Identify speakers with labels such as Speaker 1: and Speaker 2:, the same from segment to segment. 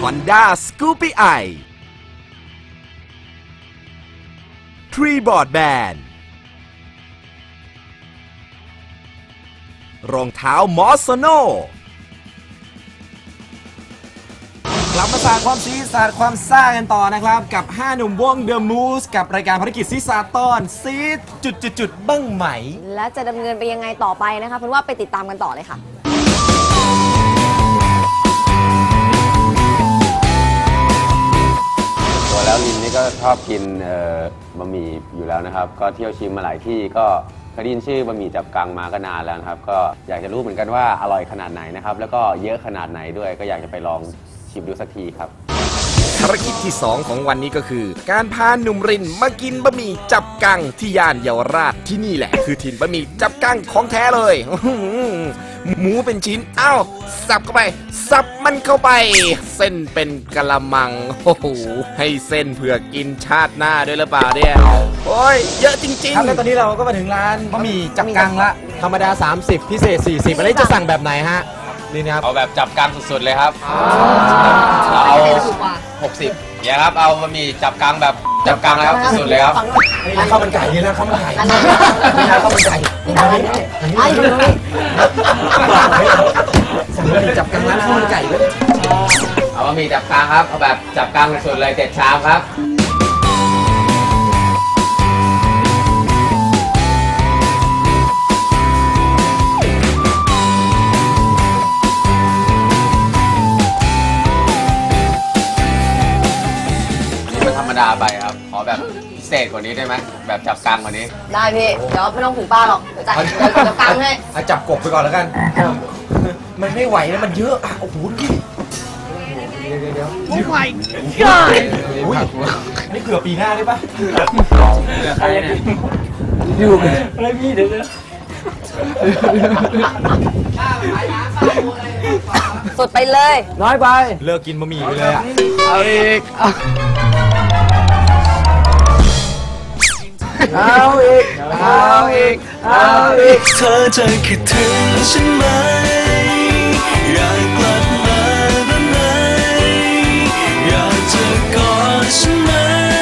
Speaker 1: Honda Scoopy i 3board Band รองเท้ามอสโนกลับมาสาดความซีสาดความซ่ากันต่อนะครับกับ5หนุ่มวง The Moose กับรายการภารกิจซีซาตอนซีดจุดบ้างไหม
Speaker 2: และจะดำเนินไปยังไงต่อไปนะคะเพราะว่าไปติดตามกันต่อเลยค่ะ
Speaker 3: ตัวแล้วลินนี่ก็ชอบกินบะหมี่อยู่แล้วนะครับก็เที่ยวชิมมาหลายที่ก็เคยได้ยินชื่อบะหมี่จับกังมาก็นานแล้วนะครับก็อยากจะรู้เหมือนกันว่าอร่อยขนาดไหนนะครับแล้วก็เยอะขนาดไหนด้วยก็อยากจะไปลองชิมดูสักทีครับ
Speaker 1: ภารกิจที่2ของวันนี้ก็คือการพาหนุ่มรินมากินบะหมี่จับกังที่ย่านเยาวราชที่นี่แหละคือถิ่นบะหมี่จับกังของแท้เลยหมูเป็นชิ้นอ้าวสับเข้าไปสับมันเข้าไปเส้นเป็นกะละมังโอ้โหให้เส้นเผื่อกินชาติหน้าด้วยหรือเปล่าเนี่ยโอ้ยเยอะจริงๆ
Speaker 4: ครับแล้วตอนนี้เราก็มาถึงร้านบะหมี่จับกังละธรรมดา30พิเศษ40อะไรจะสั่งแบบไหนฮะนี่นะครับ
Speaker 3: เอาแบบจับกังสุดๆเลยครับเอา60เนี่ยครับเอาบะหมี่จับกังแบบจับกังแล้วสุดๆเลยครับ
Speaker 4: นี่ข้าวมันไก่นี่นะข้าวมันไก่นี่นะข้าวมันไก่ไอ้ตรงนี้สั่งบะหมี่จับกังร้านข้าวมันไก่เลย
Speaker 3: เอาบะหมี่จับกังครับเอาแบบจับกังสุดเลย7ชามครับธรรมดาไปครับขอแบบพิเศษกว่านี้ได้ไหมแบบจับกังกว่านี้
Speaker 2: ได้พี่เดี๋ยวไม่ต้องถึงป้าหรอกเดี๋ยวจับกังให้
Speaker 4: จับกบไปก่อนแล้วกันมันไม่ไหวแล้วมันเยอะโอ้โหพี่เดี๋ยวโอ้ my god นี่เกือบปีหน้าได้ปะอยู่อะไรพี่เดี๋ยว
Speaker 2: สุดไปเลย
Speaker 4: น้อยไปเลิกกินบะหมี่ไปเลยอ่ะ
Speaker 3: เอาอีก
Speaker 4: เอาอีก
Speaker 5: เธอจะคิดถึงฉันไหมอยากกลับมาได้ไหมอยากจะกอดฉันไหม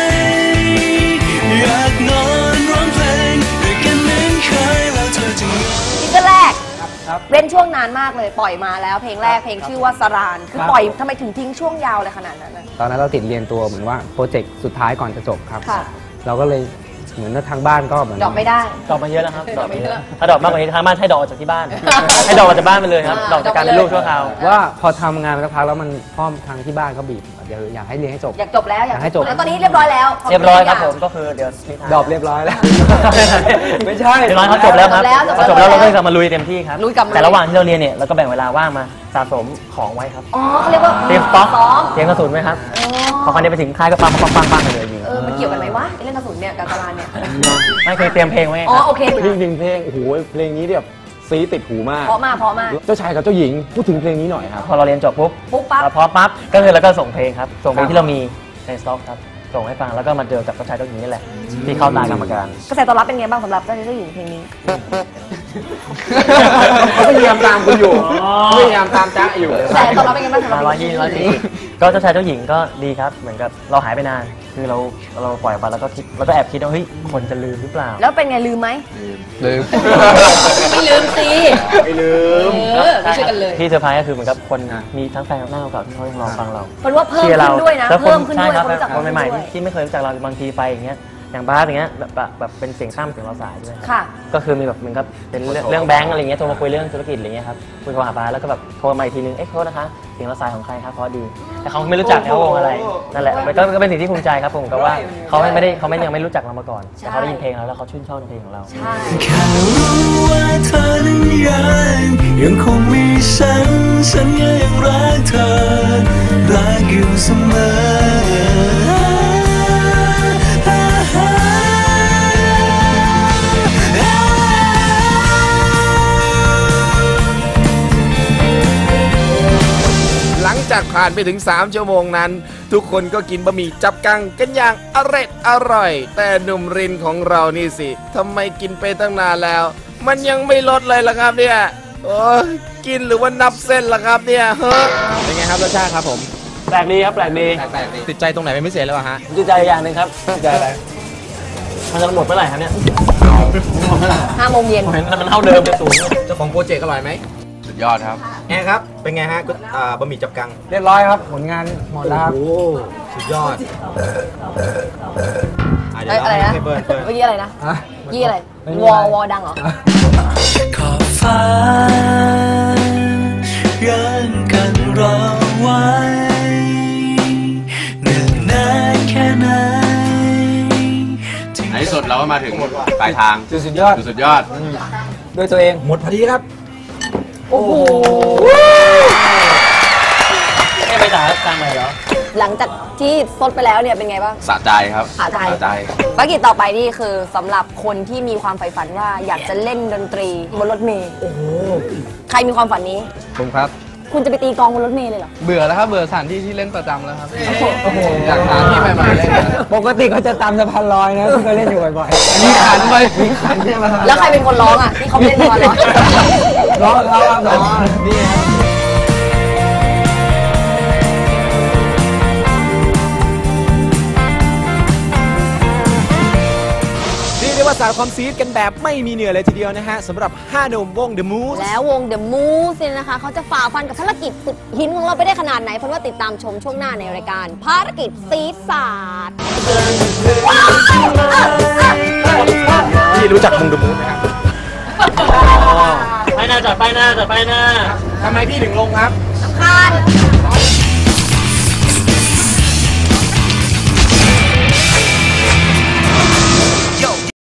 Speaker 5: อยากนอนร้องเพลงด้วยกันเหมือนเคยแล้วเธอจะ
Speaker 2: ซิงเกิลแรกเว้นช่วงนานมากเลยปล่อยมาแล้วเพลงแรกเพลงชื่อว่าสรานคือปล่อยทำไมถึงทิ้งช่วงยาวเลยขนาดนั้น
Speaker 6: ตอนนั้นเราติดเรียนตัวเหมือนว่าโปรเจกต์สุดท้ายก่อนจะจบครับเราก็เลยเหมือนทางบ้านก็เหมือน
Speaker 2: ดอกไม่ได้
Speaker 7: ดอกมาเยอะแล้วครับดอกไม่เยอะถ้าดอกมากกว่านี้ทางบ้านให้ดอกออกจากที่บ้านให้ดอกออกจากบ้านไปเลยครับดอกจากการเป็นลูกชั่วคราว
Speaker 6: ว่าพอทำงานสักพักแล้วมันพ่อทางที่บ้านเขาบีบอยากให้เรียนให้จบ
Speaker 2: อยากจบแล้ว
Speaker 6: อยากให้จบ
Speaker 2: แล้วตอนนี้เรียบร้อยแล้ว
Speaker 7: เรียบร้อยครับผมก็คือเดี๋ยว
Speaker 6: ดอกเรียบร้อยแล้วไม่ใช่
Speaker 7: เรียบร้อยเขาจบแล้วครับจบแล้วเราก็จะมาลุยเต็มที่ครับแต่ระหว่างที่เราเรียนเนี่ยเราก็แบ่งเวลาว่างมาสะสมของไว้ครับ
Speaker 2: อ๋อเขาเรียกว่า
Speaker 7: เตรียมสต็อกเตรียมกระสุนไหมครับพอคันนี้ไปถึงค่ายก็ปังไปเลยยิง
Speaker 2: มันเกี่ยวกันไหมวะเรื่องกระสุนเนี่ยกับตารางเนี่ย
Speaker 7: ไม่เคยเตรียมเพลงไว้
Speaker 2: อ๋อโอเค
Speaker 6: จริงเพลงโอ้โหเพลงนี้แบบซีติดหูมาก
Speaker 2: เพราะมาก
Speaker 6: เจ้าชายกับเจ้าหญิงพูดถึงเพลงนี้หน่อยครับ
Speaker 7: พอเราเรียนจบปุ๊บพอปั๊บก็คือเราก็ส่งเพลงครับส่งเพลงที่เรามีในสต็อกครับส่งให้ฟังแล้วก็มาเจอกับเจ้าชายเจ้าหญิงนี่แหละที่เข้าตากรรมการ
Speaker 2: กระแสตอบรับเป็นไงบ้างสำหรับเจ้าชายเจ้าหญิงเพลงนี้
Speaker 6: เขาพยายามตามคุณอยู่พยายามตามจ๊ะอยู่
Speaker 2: กระแสตอบรับเป็นไงบ้างสำหรับ
Speaker 7: ก็เจ้าชายเจ้าหญิงก็ดีครับเหมือนกับเราหายไปนานคือเราปล่อยไปแล้วก็คิดแล้วก็แอบคิดว่าเฮ้ยคนจะลืมหรือเปล่า
Speaker 2: แล้วเป็นไงลืมไหม
Speaker 6: ลืม
Speaker 2: ไม่ลืมสิ
Speaker 6: ไม่ลืม
Speaker 2: ไม่ช่วยกันเลย
Speaker 7: ที่เซอร์ไพรส์ก็คือเหมือนกับคนมีทั้งแฟนหน้าเก่าที่เขายังรอฟังเรา
Speaker 2: คนว่าเพิ่มขึ้นด้วยนะเพิ่มขึ้นด้วย
Speaker 7: คนใหม่ๆที่ไม่เคยรู้จักเราบางทีไปอย่างเงี้ยอย่างบาสอย่างเงี้ยแบบเป็นเสียงข้ามเสียงเราสายด้วยก็คือมีแบบเหมือนกับเป็นเรื่องแบงก์อะไรเงี้ยโทรมาคุยเรื่องธุรกิจอะไรเงี้ยครับคุยกับบาสแล้วก็แบบโทรมาอีกทีนึงโทษนะคะเสียงเราสายของใครครับเพราะดีแต่เขาไม่รู้จักเขาวงอะไรนั่นแหละมันก็เป็นสิ่งที่ภูมิใจครับผมก็ว่าเขายังไม่รู้จักเรามาก่อนแต่เขาได้ยินเพลงเราแล้วเขาชื่นชอบในเพลงของเรา
Speaker 5: แค่รู้ว่าเธอนั้นยังคงมีฉันก็ยังรักเธอรักอยู่เสมอ
Speaker 1: หลังจากผ่านไปถึง3ชั่วโมงนั้นทุกคนก็กินบะหมี่จับกังกันอย่างอร่อยแต่หนุ่มรินของเรานี่สิทำไมกินไปตั้งนานแล้วมันยังไม่ลดเลยล่ะครับเนี่ยโอ้ยกินหรือว่านับเส้นล่ะครับเนี่ย
Speaker 4: เป็นไงครับรสชาติครับผม
Speaker 7: แปลกดีครับแปลกดี
Speaker 4: ติดใจตรงไหนเป็นพิเศษแล้วฮะ
Speaker 7: ดีใจอย่างหนึ่งครับดีใจอะไรมันจะหมดเมื่อไหร่ครับเนี่ยหมดเมื่อไหร่
Speaker 2: 5 โมงเย็น
Speaker 7: มันเท่าเดิมจะสูง
Speaker 4: เจ้าของโปรเจกต์อร่อยไหม
Speaker 3: สุดยอดครับ
Speaker 4: แอร์ครับ เป็นไงฮะบะหมี่จับกัง
Speaker 6: เรียบร้อยครับ ผลงานหมดแล้วครับ
Speaker 4: โอ้โหสุดยอดเดี๋ยว
Speaker 2: อะไรนะ
Speaker 4: ให้เบิร์น
Speaker 2: เมื่อกี้อะไรนะ
Speaker 6: ฮะ
Speaker 2: ยี่อะไร
Speaker 6: ไม่มี
Speaker 2: ว
Speaker 6: อะไร
Speaker 2: อดังเหรอ
Speaker 5: ขอบฟ้ายังกันรอไว้เนื่องนานแค่ไหน
Speaker 3: ในที่สุดเราก็มาถึงปลายทาง
Speaker 6: สุดยอด
Speaker 3: สุดยอด
Speaker 6: ด้วยตัวเอง
Speaker 4: หมดพอดีครับ
Speaker 2: โอ้โห
Speaker 7: ไม่ไปจ่ายกลางไหนเหรอ
Speaker 2: หลังจากที่ซดไปแล้วเนี่ยเป็นไงบ้าง
Speaker 3: สะใจครับ
Speaker 2: สะใจ
Speaker 3: สะใจ
Speaker 2: ภารกิจต่อไปนี่คือสำหรับคนที่มีความใฝ่ฝันว่าอยากจะเล่นดนตรีบนรถเมล์
Speaker 4: โอ้โห
Speaker 2: ใครมีความฝันนี้
Speaker 6: ผมครับ
Speaker 2: คุณจะไปตีกลองบนรถเมล์เลยเหรอ
Speaker 6: เบื่อแล้วครับ เบื่อสถานที่ที่เล่นประจำแล้วครับโอ้โหอยากหาที่ใหม่ๆเล่นปกติเขาจะตามสะพานลอยนะที่เขาเล่นอยู่บ่อยๆมีขันไปมีขันใช่ไหม
Speaker 2: แล้วใครเป็นคนร้องอ่ะที่เขาเล่นตอนร้อง
Speaker 6: ร้องครับนี่
Speaker 4: เรียกได้ว่าสารความซีดกันแบบไม่มีเหนื่อยเลยทีเดียวนะฮะสำหรับ5หนุ่มวง The Moose
Speaker 2: แล้ววง The Moose เนี่ยนะคะเขาจะฝ่าฟันกับภารกิจสุดหินของเราไปได้ขนาดไหนเพราะว่าติดตามชมช่วงหน้าในรายการภารกิจซีดศาสตร์
Speaker 4: พี่รู้จักวง The Moose ไหมครับ
Speaker 7: ไปหน้าจัดไปหน้าจัดไปหน้า
Speaker 4: ทำไมพี่ถึงลงครับ
Speaker 2: คาน